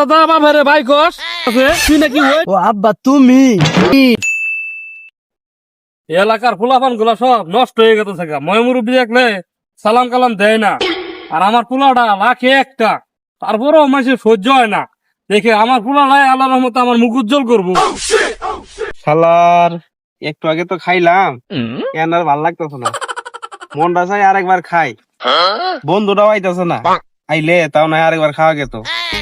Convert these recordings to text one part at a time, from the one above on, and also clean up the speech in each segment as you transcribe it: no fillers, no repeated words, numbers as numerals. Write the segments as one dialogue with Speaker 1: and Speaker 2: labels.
Speaker 1: দাদা বাবারে ভাই কস তুই নাকি ওই
Speaker 2: ও আব্বা তুমি
Speaker 1: এলাকার ফুলাফান গুলা সব নষ্ট হয়ে গেছে থাকা ময়মুরব্বী দেখলে সালাম কালাম দেয় না। আর আমার পোলাটা লাখে একটা, তারপরেও মানুষের সহ্য হয় না দেখে আমার পোলাটাই আল্লাহ রহমতে আমার মুখ উজ্জ্বল করবো।
Speaker 3: শালার একটু আগে তো খাইলাম, এখন আর ভাল লাগতেছে না, মনটা চাই আরেকবার খাই। বন্ধুটাও আইতেছে না, আইলে তাও না আরেকবার খাওয়া গেত।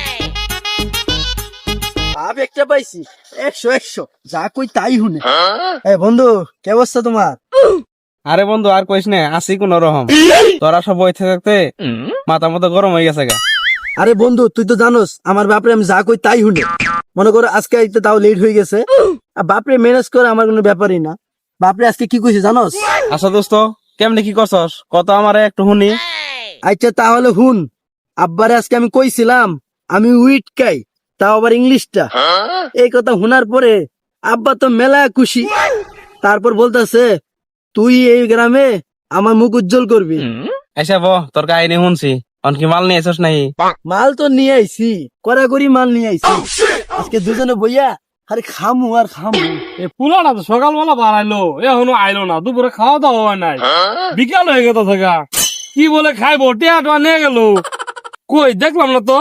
Speaker 2: আব একটা পাইছি 100 যা কই তাই হুনে। এ বন্ধু কে অবস্থা তোমার?
Speaker 3: আরে বন্ধু আর কইস না, আসি কোন রকম। তোরা সব বইতে থাকতে মাথা মতো গরম হয়ে গেছে গা।
Speaker 2: আরে বন্ধু তুই তো জানোস আমার বাপরে আমি যা কই তাই হুনে। মনে করো আজকে আইতে তাও লেট হয়ে গেছে, আর বাপরে ম্যানেজ করে আমার কোনো ব্যাপারই না। বাপরে আজকে কি কইছে জানোস?
Speaker 3: আচ্ছা দোস্ত কেমনে কি করছস কত আমারে একটু শুনি।
Speaker 2: আচ্ছা তাহলে হুন, আব্বারে আজকে আমি কইছিলাম আমি উইট খাই, তাও আবার ইংলিশটা। এই কথা শোনার পরে আব্বা তো মেলা খুশি। তারপর বলতেছে তুই এই গ্রামে আমার মুখ উজ্জ্বল করবি।
Speaker 3: এসে তোর কাহিনী শুনছি, অনকি মাল নিয়ে এসস নাই?
Speaker 2: মাল তো নিয়ে আইছি, কড়াকড়ি মাল নিয়ে আইছি। আজকে দুজনে বইয়া আরে খামু আর খামু।
Speaker 1: এ পোলাটা তো সকালবেলা বাড়াইলো, এখনো আইলো না, দুপুরে খাওয়া দাওয়া হয় নাই, বিকাল হয়ে গেছে থাকা। কি বলে খাইবো, টিয়া টোয়া নিয়ে গেল কই দেখলাম না তো।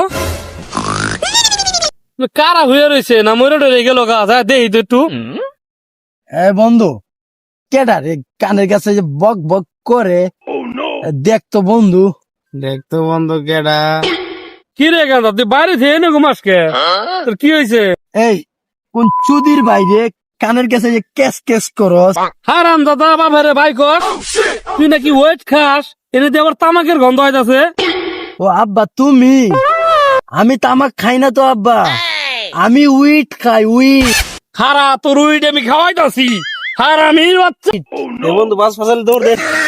Speaker 1: কারা হয়ে রয়েছে না মরে টরে গেল গাছ, দেখি তো একটু।
Speaker 2: এ বন্ধু কেডা রে কানের কাছে যে বক বক করে? দেখ তো বন্ধু।
Speaker 3: দেখতো বন্ধু কেডা?
Speaker 1: কি রে গাছ, তুই বাইরে থেকে এনে ঘুমাসকে, তোর কি হয়েছে?
Speaker 2: এই কোন চুদির বাইরে কানের কাছে যে কেস কেস করস?
Speaker 1: হারাম দাদা বাবারে ভাই কস তুই নাকি ওয়েট খাস, এনে দিয়ে আবার তামাকের গন্ধ হইতাছে।
Speaker 2: ও আব্বা তুমি? আমি তামাক খাই না তো আব্বা, আমি উইট খাই উইট।
Speaker 1: হারা তোর উইট আমি খাওয়াইতাছি, হারামির বাচ্চা।
Speaker 3: বন্ধু বাস ফাসাল দৌড় দে।